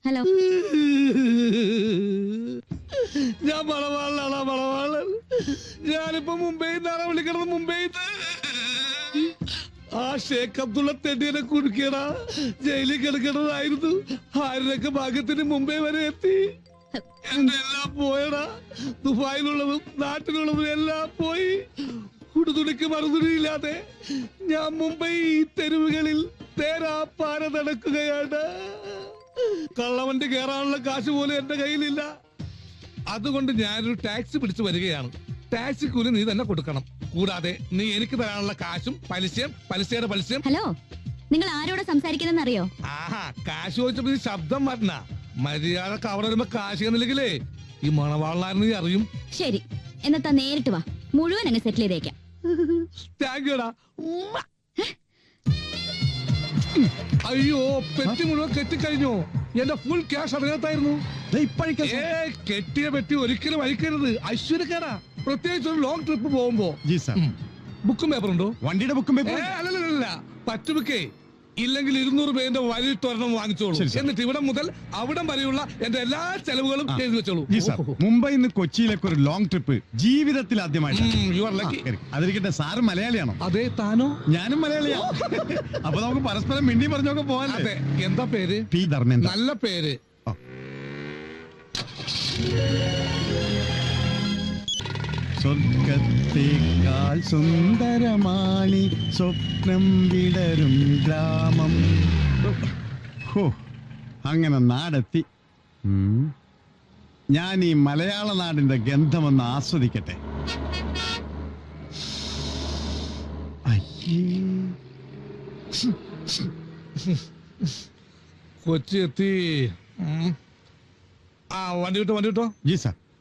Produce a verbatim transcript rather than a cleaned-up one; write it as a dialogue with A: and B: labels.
A: Hello.
B: ഞാൻ മണവാളാണ് മണവാളൻ. ഞാനിപ്പോ മുംബൈയിൽ നിന്നാണ് വിളിക്കണത്. മുംബൈയിൽ ആ ഷേഖ് അബ്ദുള്ള തെണ്ടിയെ കുടുക്കിയടാ. ജയിലിൽ കിടക്കണതായിരുന്നു. ആരുടെയൊക്കെ ഭാഗ്യത്തിന് മുംബൈ വരെ എത്തി. എന്റെ എല്ലാം പോയടാ. ദുബായിലുള്ളതും നാട്ടിലുള്ളതും എല്ലാം പോയി. കുടുതുണിക്ക് മറുതുണിയില്ലാതെ ഞാൻ മുംബൈ തെരുവുകളിൽ തേരാപ്പാര നടക്കുകയാണ്. കള്ളവണ്ടി കയറാനുള്ള കാശ് പോലും എന്റെ കയ്യിലില്ല. അതുകൊണ്ട് ഞാനൊരു ടാക്സി പിടിച്ചു വരികയാണ്. ടാക്സി കൂലി നീ തന്നെ കൊടുക്കണം. കൂടാതെ നീ എനിക്ക് തരാനുള്ള കാശും പലിശയും പലിശയുടെ പലിശയും.
A: ഹലോ, നിങ്ങൾ ആരോട് സംസാരിക്കുന്നെന്ന് അറിയോ?
B: ആഹാ, കാശ് ചോദിച്ചപ്പോ നീ ശബ്ദം മാറ്റണ. മര്യാദക്ക് അവിടെ വരുമ്പോ കാശ് എന്നില്ലെങ്കിലേ ഈ മണവാളനായിരുന്നു നീ അറിയും.
A: ശരി, എന്നത്താ നേരിട്ട് വാ, മുഴുവൻ അങ്ങ് സെറ്റിൽ ചെയ്തേക്കാം.
B: താങ്ക് യുടാ. അയ്യോ, പെട്ടി മുഴുവൻ കെട്ടിക്കഴിഞ്ഞു. എന്റെ ഫുൾ ക്യാഷ് അതിനകത്തായിരുന്നു. കെട്ടിയ പെട്ടി ഒരിക്കലും അഴിക്കരുത്, ഐശ്വര്യക്കാരാ. പ്രത്യേകിച്ച് ഒരു ലോങ് ട്രിപ്പ് പോകുമ്പോ. ബുക്കും പേപ്പറുണ്ടോ?
C: വണ്ടിയുടെ ബുക്കും പേപ്പർ
B: അല്ലല്ല, പറ്റുബുക്കേ. ഇല്ലെങ്കിൽ ഇരുന്നൂറ് പേരുടെ വലിയ ഒരെണ്ണം വാങ്ങിച്ചോളൂ. എന്നിട്ട് ഇവിടെ മുതൽ അവിടം വരെയുള്ള എന്റെ എല്ലാ ചെലവുകളും എഴുതി വെച്ചോളൂ.
C: മുംബൈയിൽ നിന്ന് കൊച്ചിയിലേക്ക് ഒരു ലോങ് ട്രിപ്പ് ജീവിതത്തിൽ ആദ്യമായിട്ട്. അതിരിക്കട്ടെ, സാറ് മലയാളിയാണോ?
B: അതെ. താനോ?
C: ഞാനും മലയാളിയാണ്. അപ്പൊ നമുക്ക് പരസ്പരം മിണ്ടി പറഞ്ഞൊക്കെ പോകാൻ.
B: അതെ. എന്താ പേര്?
C: പി ധർമ്മേന്ദ്ര.
B: നല്ല പേര്.
C: സ്വർഗത്തേക്കാൾ സുന്ദരമാണി സ്വപ്നം വിടരും ഗ്രാമം. ഹോ, അങ്ങനെ നാടെത്തി. ഞാൻ ഈ മലയാള നാടിന്റെ ഗന്ധമൊന്ന് ആസ്വദിക്കട്ടെ.
B: കൊച്ചി എത്തി. ആ, വണ്ടി കിട്ടോ വണ്ടി കിട്ടോ.
C: G sir.